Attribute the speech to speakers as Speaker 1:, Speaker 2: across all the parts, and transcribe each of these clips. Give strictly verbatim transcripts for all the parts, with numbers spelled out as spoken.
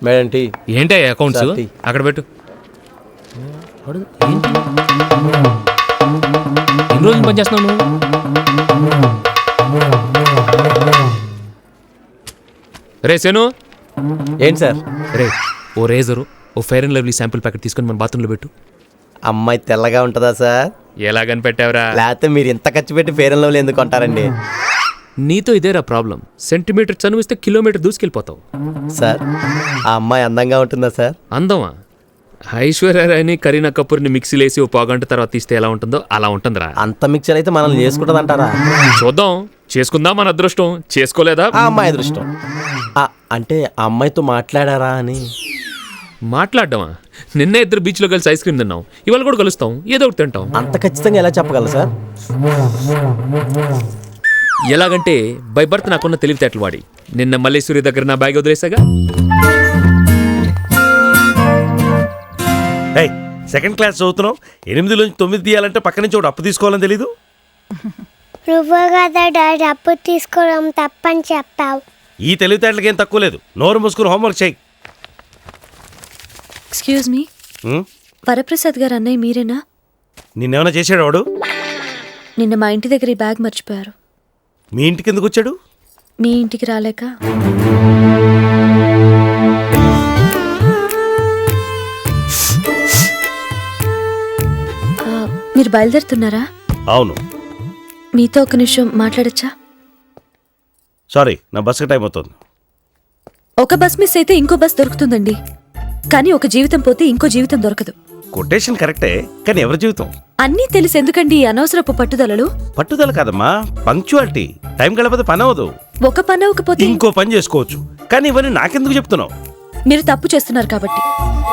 Speaker 1: Madam tea.
Speaker 2: ఏంటి accounts
Speaker 1: sir, tea.
Speaker 2: అక్కడ పెట్టు. ఎన్ని రోజులు పని చేస్తున్నావు నువ్వు? రే సేను,
Speaker 1: ఏంటి సార్?
Speaker 2: రే ఓ రేజరు ఓ fair and lovely sample packet తీసుకొని మన బాత్రూంలో పెట్టు.
Speaker 1: అమ్మాయి తెల్లగా ఉంటుందా సార్?
Speaker 2: ఎలా కనిపెట్టావురా?
Speaker 1: లేకపోతే మీరు ఇంత ఖర్చు పెట్టి ఫేర్ అండ్ లవ్లీ ఎందుకు కొంటారండి?
Speaker 2: నీతో ఇదేరా ప్రాబ్లం. సెంటీమీటర్ చనువిస్తే కిలోమీటర్ దూసుకెళ్ళిపోతావు.
Speaker 1: సార్ ఆ అమ్మాయి అందంగా ఉంటుందా సార్?
Speaker 2: అందమా? ఐశ్వర్యరాయని కరీనా కపూర్ని మిక్సీలో వేసి ఓ పావుగంట తర్వాత తీస్తే ఎలా ఉంటుందో అలా ఉంటుందిరా.
Speaker 1: అంత మిక్చర్ అయితే మనల్ని చేసుకుంటుంది అంటారా?
Speaker 2: చూద్దాం, చేసుకుందాం, మన అదృష్టం. చేసుకోలేదా?
Speaker 1: ఆ అమ్మాయి అదృష్టం. ఆ, అంటే ఆ అమ్మాయితో మాట్లాడారా అని.
Speaker 2: మాట్లాడమా? నిన్న ఇద్దరు బీచ్లో కలిసి ఐస్ క్రీమ్ తిన్నాం, ఇవాళ కూడా కలుస్తాం, ఏదో ఒకటి తింటాం.
Speaker 1: అంత ఖచ్చితంగా ఎలా చెప్పగలరు సార్?
Speaker 2: ఎలాగంటే బై బర్త్ నాకున్న తెలివితేటలు వాడి నిన్న మల్లేశ్వరి దగ్గర నా బ్యాగ్ వదిలేసాగా.
Speaker 3: సెకండ్ క్లాస్ చదువుతున్నావు, ఎనిమిది నుంచి తొమ్మిది తీయాలంటే పక్క నుంచి ఒకటి అప్పు తీసుకోవాలని తెలీదు.
Speaker 4: నువ్వు కదా డాడీ అప్పు తీసుకోవడం తప్పని చెప్పావు.
Speaker 3: ఈ తెలివితేటలకి ఏం తక్కువ లేదు. నోరు మూసుకుని హోంవర్క్ చేయి.
Speaker 5: ఎక్స్క్యూజ్ మీ, వరప్రసాద్ గారు అన్నయ్య మీరేనా?
Speaker 3: నిన్నేమైనా చేసాడు వాడు?
Speaker 5: నిన్న మా ఇంటి దగ్గర ఈ బ్యాగ్ మర్చిపోయారు.
Speaker 3: మీ ఇంటికి ఎందుకు వచ్చాడు?
Speaker 5: మీ ఇంటికి రాలేక. ఆ, మీరు బయలుదేరుతున్నారా?
Speaker 3: అవును.
Speaker 5: మీతో ఒక నిమిషం మాట్లాడచ్చా?
Speaker 3: సారీ, నా బస్కి టైం అవుతుంది.
Speaker 5: ఒక బస్ మిస్ అయితే ఇంకో బస్ దొరుకుతుందండి, కానీ ఒక జీవితం పోతే ఇంకో జీవితం దొరకదు.
Speaker 3: కొటేషన్ కరెక్టే, కానీ ఎవరి జీవితం?
Speaker 5: అన్నీ తెలిసి ఎందుకండి ఈ అనవసరపు పట్టుదలలు?
Speaker 3: పట్టుదల కాదమ్మా, పంక్చువాలిటీ. టైం గడపతే పని అవ్వదు.
Speaker 5: ఒక పని అవ్వకపోతే
Speaker 3: ఇంకో పని చేసుకోవచ్చు, కానీ ఇవన్నీ నాకెందుకు చెప్తున్నావు?
Speaker 5: మీరు తప్పు చేస్తున్నారు కాబట్టి.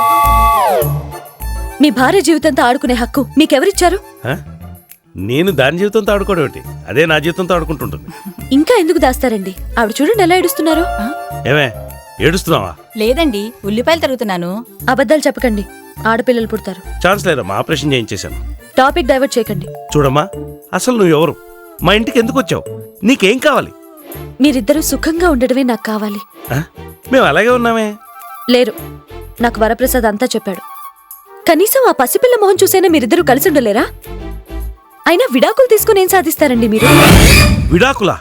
Speaker 5: మీ భార్య జీవితంతో ఆడుకునే హక్కు మీకెవరిచ్చారు?
Speaker 3: ఆ? నేను దాని జీవితంతో ఆడుకోవడం ఏంటి? అదే నా జీవితంతో ఆడుకుంటుంటుంది.
Speaker 5: ఇంకా ఎందుకు దాస్తారండి? ఆవిడ చూడండి ఎలా ఏడుస్తున్నారు.
Speaker 3: ఏమే ఏడుస్తున్నావా?
Speaker 6: లేదండి, ఉల్లిపాయలు తరుగుతున్నాను.
Speaker 5: అబద్ధాలు చెప్పకండి, ఆడపిల్లలు పుడతారు.
Speaker 3: ఛాన్స్ లేదమ్మా, ఆపరేషన్ చేయించేశాను.
Speaker 5: టాపిక్ డైవర్ట్ చేయకండి.
Speaker 3: చూడమ్మా, అసలు నువ్వు ఎవరు? మా ఇంటికి ఎందుకు వచ్చావు? నీకేం కావాలి?
Speaker 5: మీరిద్దరూ సుఖంగా ఉండడమే నాకు కావాలి.
Speaker 3: ఆ? మేము అలాగే ఉన్నామే.
Speaker 5: లేరు, నాకు వరప్రసాద్ అంతా చెప్పాడు. కనీసం ఆ పసిపిల్ల మొహం చూసైనా మీరిద్దరూ కలిసి ఉండలేరా? అయినా విడాకులు తీసుకుని ఏం సాధిస్తారండి మీరు?
Speaker 3: విడాకులా?